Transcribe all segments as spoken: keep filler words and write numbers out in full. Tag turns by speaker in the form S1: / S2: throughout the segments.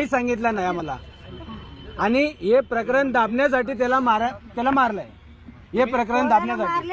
S1: काही सांगितलं नाही आम्हाला. आणि हे प्रकरण दाबण्यासाठी त्याला मार त्याला मारलंय. हे प्रकरण दाबण्यासाठी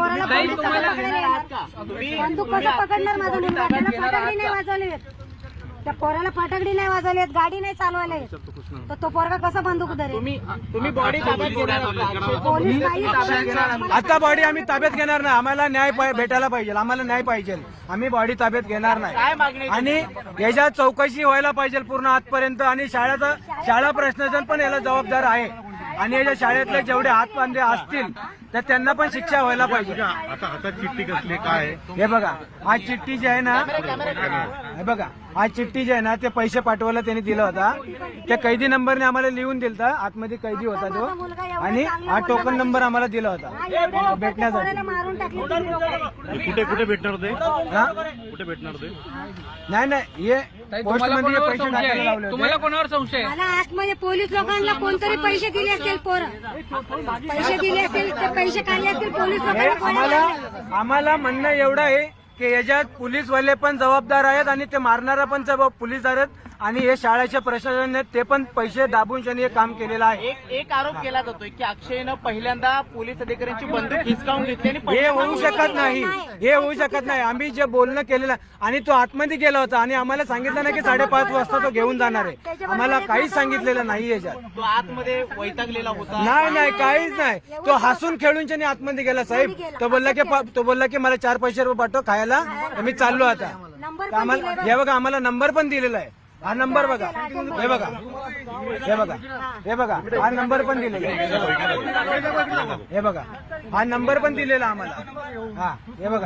S2: बंदूक कसं पकडणार माझा मुलगा? त्याला फटाकडी नाही वाजवली, त्या पोराला फटाकडी नाही वाजवली, गाडी नाही चालवली, तर तो पोरगा कसा बंदूक धरेल?
S3: तुम्ही बॉडी
S2: पोलीस नाही.
S1: आता बॉडी आम्ही ताब्यात घेणार नाही. आम्हाला न्याय भेटायला पाहिजे. आम्हाला न्याय पाहिजे. आम्ही बॉडी ताब्यात घेणार नाही. आणि याच्या चौकशी व्हायला पाहिजे पूर्ण आजपर्यंत. आणि शाळेचा शाळा प्रशासन पण याला जबाबदार आहे. आणि याच्या शाळेतले जेवढे हातबांधे असतील तर त्यांना पण शिक्षा व्हायला पाहिजे.
S4: आता हातात चिठ्ठी कसली काय?
S1: हे बघा, आज चिठ्ठी जी आहे ना, हे बघा, आज चिठ्ठी जी आहे ना, ते पैसे पाठवायला त्यांनी दिला होता. त्या कैदी नंबरने आम्हाला लिहून दिलता. आतमध्ये कैदी होता तो. आणि हा टोकन नंबर आम्हाला दिला होता भेटण्यासाठी.
S2: मारून टाकले.
S4: कुठे कुठे भेटणार ते?
S1: हा,
S4: कुठे भेटणार ते?
S1: नाही नाही, हे पोस्टमध्ये पैसे टाकायला लावले होते.
S3: तुम्हाला कोणावर संशय?
S2: मला आतमध्ये पोलीस लोकांना कोणतरी पैसे दिले असतील, पोरं पैसे दिले असतील, ते पैसे काढले असतील पोलीस
S1: हे
S2: लोकांना.
S1: आम्हाला आम्हाला म्हणणं एवढं आहे की याच्यात पोलीसवाले पण जबाबदार आहेत आणि ते मारणारा पण जबाब पोलीसदार आहेत. आणि हे शाळेच्या प्रशासनाने ते पण पैसे दाबून त्यांनी हे काम केलेलं आहे.
S3: एक एक आरोप केला जातोय की अक्षयनं पहिल्यांदा पोलीस अधिकाऱ्यांची बंदूक हिसकावून घेतली आणि
S1: हे होऊ शकत नाही. हे होऊ शकत नाही. आम्ही जे बोलणं केलेलं आणि तो आतमध्ये गेला होता आणि आम्हाला सांगितलं नाही की साडेपाच वाजता तो घेऊन जाणार आहे. आम्हाला काहीच सांगितलेलं नाही याच्यात.
S3: तो आतमध्ये वैतागलेला होता.
S1: नाही नाही, काहीच नाही. तो हसून खेळून त्याने आतमध्ये गेला. साहेब तो बोलला की तो बोलला की मला चार पैसे रुपये पाठव खायला, तर मी चाललो आता. तर आम्हाला हे बघा, आम्हाला नंबर पण दिलेला आहे. हा नंबर बघा, हे बघा, हे बघा, हे बघा, हा नंबर पण दिलेला आहे. हे बघा, हा नंबर पण दिलेला आम्हाला. हा, हे बघा.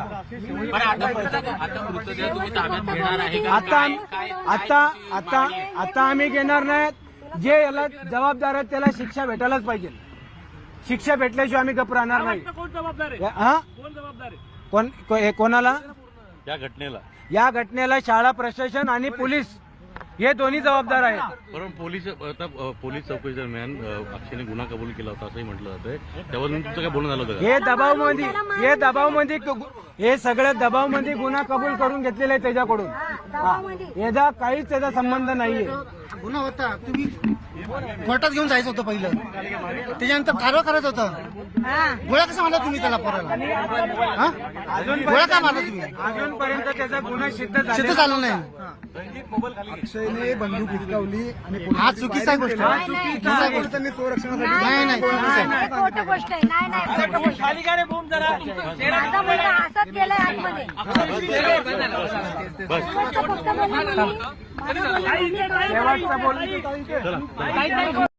S1: आता आता आता आता आम्ही घेणार नाहीत. जे याला जबाबदार आहेत त्याला शिक्षा भेटायलाच पाहिजे. शिक्षा भेटल्याशिवाय आम्ही गप्प राहणार नाही. हा, कोण हे कोणाला?
S4: या घटनेला
S1: या घटनेला शाळा प्रशासन आणि पोलीस हे दोन्ही जबाबदार आहेत.
S4: बरोबर. पोलीस आता पोलीस चौकशी दरम्यान अक्षयने गुन्हा कबूल केला होता असंही म्हटलं जातंय. त्यावरून तुमचं काय बोलणं झालं होतं?
S1: हे दबावमध्ये हे दबावमध्ये हे सगळं दबावमध्ये गुन्हा कबूल करून घेतलेला आहे त्याच्याकडून. याचा काहीच त्याचा संबंध नाहीये.
S5: गुन्हा होता, तुम्ही कोर्टात घेऊन जायचं होतं पहिलं, त्याच्यानंतर कारवाई करायचं होतं. गोळ्या कसा मारला तुम्ही त्याला पोराला? हा, गोळ्या का मारला तुम्ही?
S1: अजूनपर्यंत त्याचा गुन्हा सिद्ध
S5: सिद्ध झालं नाही.
S6: अक्षयने बंदूक हिसकावली आणि
S5: हा चुकीचा गोष्ट आहे. चुकीचा गोष्ट
S6: त्यांनी संरक्षणासाठी
S5: नाही नाही चुकीचं आहे.
S2: खोटं गोष्ट आहे. नाही नाही, खोटं गोष्ट आहे. माझा मुलगा हसत गेलाय आतमध्ये. फक्त बोलला मी.
S1: शेवटचं बोलणं